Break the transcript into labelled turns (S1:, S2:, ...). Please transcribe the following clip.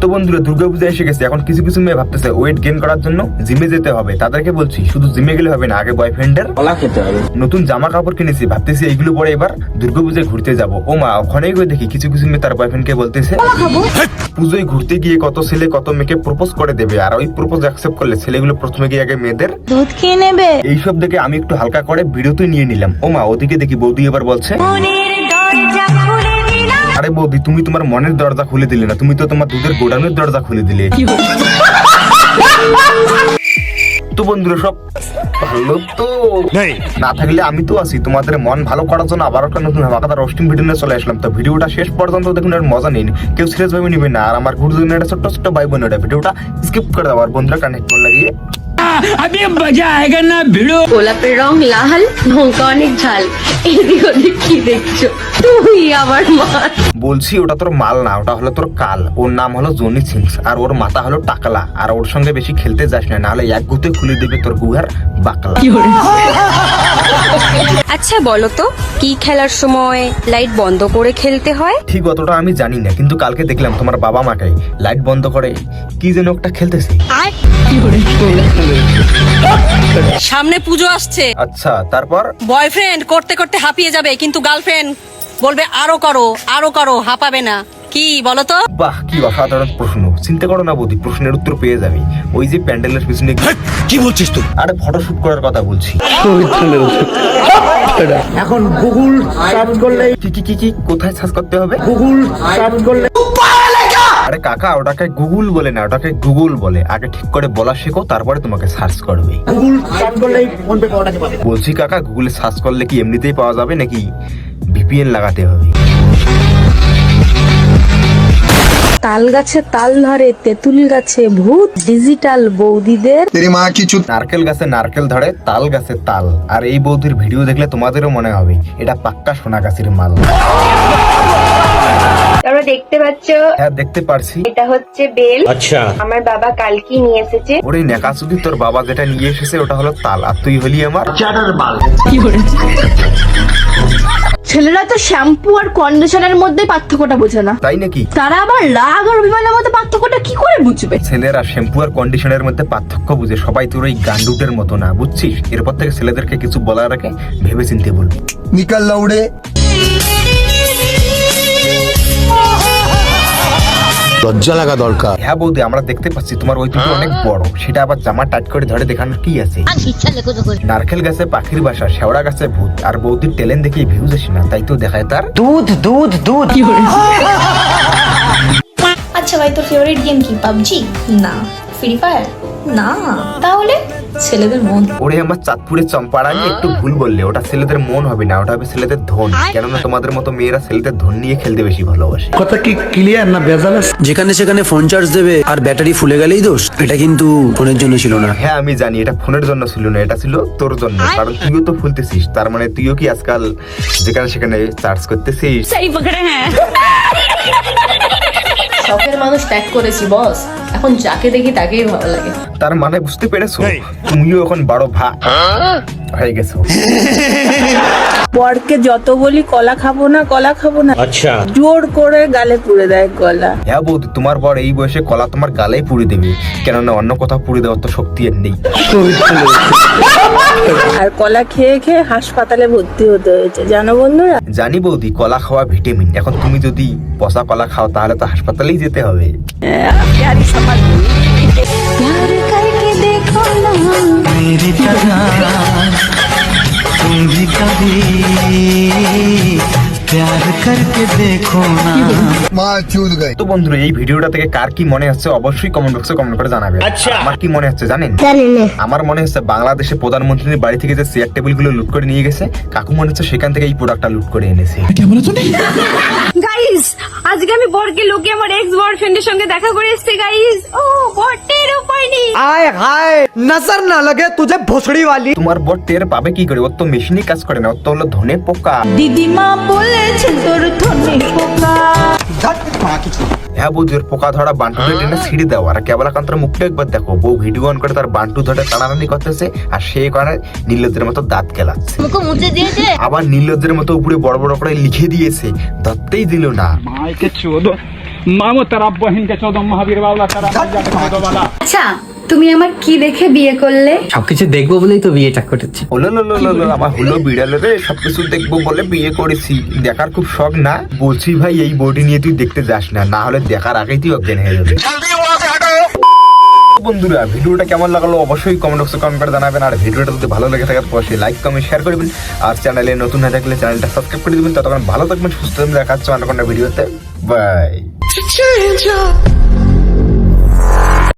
S1: তো বন্ধুরা দুর্গাপূজা এসে গেছে, এখন কিছু কিছু মেয়ে ভাবতেছে ওয়েট গেইন করার জন্য জিমে যেতে হবে। তাদেরকে বলছি শুধু জিমে গেলে হবে না, আগে বয়ফ্রেন্ডের কলা খেতে হবে। নতুন জামা কাপড় কিনেছি, ভাবতেছি এইগুলো পরে এবার দুর্গাপূজায় ঘুরতে যাবো। ও মা, ওখানেই গিয়ে দেখি কিছু কিছু মেয়ে তার বয়ফ্রেন্ডকে বলতেছে পুজোয় ঘুরতে গিয়ে কত ছেলে কত মেয়েকে প্রপোজ করে দেবে, আর ওই প্রপোজ অ্যাকসেপ্ট করলে ছেলেগুলো প্রথমে গিয়ে আগে মেয়েদের
S2: দুধ খেয়ে নেবে।
S1: এইসব দেখে আমি একটু হালকা করে ভিডিওতে নিয়ে নিলাম। ও মা, ওদিকে দেখি বৌদি এবার বলছে আরে বৌদি, তুমি তোমার মনের দরজা খুলে দিলে না, তুমি তো তোমার দুধের গোডাউনের দরজা খুলে দিলে। তো বন্ধুরা সব ভালো তো না থাকলে আমি তো আছি তোমাদের মন ভালো করার জন্য আবার একটা নতুন হামাকাদার রোস্টিং ভিডিও নিয়ে চলে আসলাম। তো ভিডিওটা শেষ পর্যন্ত দেখুন, আর মজা নিন, কেউ সিরিয়াস ভাবে নিবে না। আর আমার গুরুজনের একটা ছোট্ট ছোট্ট ভাই বোনেরা ভিডিওটা স্কিপ করে দাও, আর বন্ধুরা কানেক্ট করে লাগিয়ে
S3: अभी मजा आएगा ना भिड़ो।
S2: গোলাপের রং লাল, লঙ্কা অনেক ঝাল, এদিক ওদিক কি দেখছো তুই আমার মা?
S1: বলছি ওটা তোর মাল না, ওটা হলো তোর কাল। ওর নাম হলো জনি সিংস, আর ওর মাথা হলো টাকলা। আর ওর সঙ্গে বেশি খেলতে যাস না, নাহলে এক গুতে খুলে দেবে তোর গুহার বাকলা।
S4: আচ্ছা বলো তো, কি খেলার সময় লাইট বন্ধ করে খেলতে হয়?
S1: ঠিক অতটা আমি জানি না, কিন্তু কালকে দেখলাম তোমার বাবা মাকে লাইট বন্ধ করে কি যেন একটা খেলতেছে।
S5: সামনে পুজো আসছে,
S1: আচ্ছা তারপর
S5: বয়ফ্রেন্ড করতে করতে হাঁপিয়ে যাবে, কিন্তু গার্লফ্রেন্ড বলবে আরো করো আরো করো, হাঁপাবে না। কি বলো তো?
S1: বাহ, কি অসাধারণ প্রশ্ন। চিন্তা করো না বৌদি, প্রশ্নের উত্তর পেয়ে যাবে। ওই যে প্যান্ডেলের পিছনে
S3: কি বলছিস তুই?
S1: আরে ফটোশুট করার কথা বলছি।
S6: এখন গুগল সার্চ করলে
S1: কি কি কি কি কোথায় সার্চ করতে হবে?
S6: গুগল সার্চ করলে
S1: আরে কাকা, ওটাকে গুগল বলে না, ওটাকে গুগল বলে। আগে ঠিক করে বলা শেখো, তারপরে তোমাকে সার্চ করবে।
S6: গুগল সার্চ করলেই ফোন পে পাওয়া যাবে।
S1: বলছি কাকা, গুগলে সার্চ করলে কি এমনিতেই পাওয়া যাবে নাকি ভিপিএন লাগাতে হবে?
S2: তাল গাছে তাল ধরে, তেঁতুল গাছে ভূত, ডিজিটাল বৌদিদের
S1: নারকেল গাছে নারকেল ধরে, তাল গাছে তাল। আর এই বৌদির ভিডিও দেখলে তোমাদেরও মনে হবে এটা পাক্কা সোনা গাছের মাল।
S7: তোমরা দেখতে পাচ্ছ,
S1: হ্যাঁ দেখতে পারছি।
S7: এটা হচ্ছে বেল।
S3: अच्छा
S7: আমার বাবা কালকে নিয়ে এসেছে।
S1: ওরে নেকাসুদি, তোর বাবা যেটা নিয়ে এসেছে ওটা হলো তাল, আর তুই হলি আমার
S8: ছেলেরা তো শ্যাম্পু আর কন্ডিশনারের মধ্যে পার্থক্যটা বোঝে না,
S1: তাই নাকি?
S8: তারা আবার রাগ আর অভিমানের মধ্যে পার্থক্যটা কি করে বুঝবে?
S1: ছেলেরা শ্যাম্পু আর কন্ডিশনের মধ্যে পার্থক্য বুঝে, সবাই তোর ওই গান্ডুটের মতো না, বুঝছিস? এরপর থেকে ছেলেদেরকে কিছু বলার আগে ভেবে চিনতে বলবি।
S6: নিকাল লাউড়ে
S3: লজ্জা লাগা দরকার।
S1: হ্যাঁ বৌদি, আমরা দেখতে পাচ্ছি তোমার ওই দুটো অনেক বড়, সেটা আবার জামা টাইট করে ধরে দেখানোর কি আছে? নারকেল গাছে পাখির বাসা, শেওড়া গাছে ভূত, আর বৌদির ট্যালেন্ট দেখে ভিউজ আসে না, তাই তো দেখায় তার দুধ দুধ দুধ।
S9: আচ্ছা ভাই, তোর ফেভারিট গেম কি? পাবজি? না। Free fire? না। তাহলে ছেলেদের মন।
S1: ওরে আমার চাঁদপুরের চম্পাড়ানি একটু ভুল বললে, ওটা ছেলেদের মন হবে না, ওটা হবে ছেলেদের ধন। কেননা তোমাদের মতো মেয়েরা ছেলেদের ধন নিয়ে খেলতে বেশি ভালোবাসে।
S6: কথা কি ক্লিয়ার না ভেজাল আছে?
S10: যেখানে সেখানে ফোন চার্জ দেবে আর ব্যাটারি ফুলে গেলেই দোষ। এটা কিন্তু ফোনের জন্য ছিল না।
S1: হ্যাঁ আমি জানি, এটা ফোনের জন্য ছিল না, এটা ছিল তোর জন্য। কারণ তুইও তো ফুলতেছিস, তার মানে তুইও কি আজকাল যেখানে সেখানে চার্জ করতেছিস?
S9: শখের মানুষ ত্যাগ করেছি বস, এখন যাকে দেখি তাকেই ভালো লাগে।
S1: তার মানে বুঝতে পেরেছো, তুমিও এখন বড় হয়ে গেছো।
S2: বরকে যত বলি কলা খাবো না কলা খাবো না,
S3: अच्छा
S2: জোর করে গালে পুড়ে দেয় কলা।
S1: হ্যাঁ বৌদি, তোমার বর এই বয়সে কলা তোমার গালেই পুড়ে দেবে, কেননা অন্য কোথাও পুড়ে দেওয়ার তো শক্তি এর নেই।
S2: আর কলা খেয়ে খেয়ে হাসপাতালে ভর্তি হতে হয়েছে, জানো বন্ধুরা?
S1: জানি বৌদি, কলা খাওয়া ভিটামিন। এখন তুমি যদি পচা কলা খাও তাহলে তো হাসপাতালেই যেতে হবে।
S2: প্যারি সমাজ
S1: তো বন্ধুরা, এই ভিডিওটা থেকে কার কি মনে হচ্ছে অবশ্যই কমেন্ট বক্সে কমেন্ট করে জানাবে। আমার কি মনে হচ্ছে জানেন? আমার মনে হচ্ছে বাংলাদেশে প্রধানমন্ত্রীর বাড়ি থেকে যে চেয়ার টেবিল গুলো লুট করে নিয়ে গেছে, কাকু মনে হচ্ছে সেখান থেকে এই প্রোডাক্টটা লুট করে এনেছে।
S8: গাইস, আজকে আমি বরকে লোকে আমার এক্স বয়ফ্রেন্ডের সঙ্গে দেখা করে এসেছি গাইস। ও বটের উপায় নেই।
S6: আয় হায়, নজর না লাগে তুঝে ভোসড়ি वाली।
S1: তোমার বর টের পাবে কি করে? ওর তো মেশিনই কাজ করে না, ওর তো হলো ধনে পোকা।
S8: দিদিমা বলেছে তোর ধনে পোকা।
S1: হ্যাঁ বৌদি, ওর পোকা ধরা বান্টুটা টেনে ছিঁড়ে দাও। আর কেবলাকান্তর মুখটা একবার দেখো, বউ ভিডিও অন করে তার বান্টু ধরে টানাটানি করতেছে, আর সে করে নীলজ্জের মতো দাঁত কেলাচ্ছে। আবার নীলজ্জের মতো উপরে বড় বড় করে লিখে দিয়েছে, ধরতেই দিল না।
S11: मामो तेरा बहन के 14 महावीर वाला तेरा 14 वाला।
S2: আচ্ছা তুমি আমার কি দেখে বিয়ে করলে?
S6: সবকিছু দেখবো বলেই তো বিয়েটা করেছি।
S1: আমার হলো বিড়ালে রে, সবকিছু দেখবো বলে বিয়ে করেছি। দেখার খুব শখ না? বলছি ভাই এই বডি নিয়ে তুই দেখতে যাস না, না হলে দেখার আগেই তুই অজ্ঞান হয়ে যাবে। বন্ধুরা ভিডিওটা কেমন লাগলো অবশ্যই কমেন্ট বক্সে কমেন্ট করে জানাবেন, আর ভিডিওটা যদি ভালো লেগে থাকে অবশ্যই লাইক কমেন্ট শেয়ার করবেন, আর চ্যানেলে নতুন হয়ে থাকলে চ্যানেলটা সাবস্ক্রাইব করে দিবেন। ততক্ষণ ভালো থাকবেন, সুস্থ থাকবেন, দেখা হচ্ছে অন্য কোনো ভিডিওতে। বাই।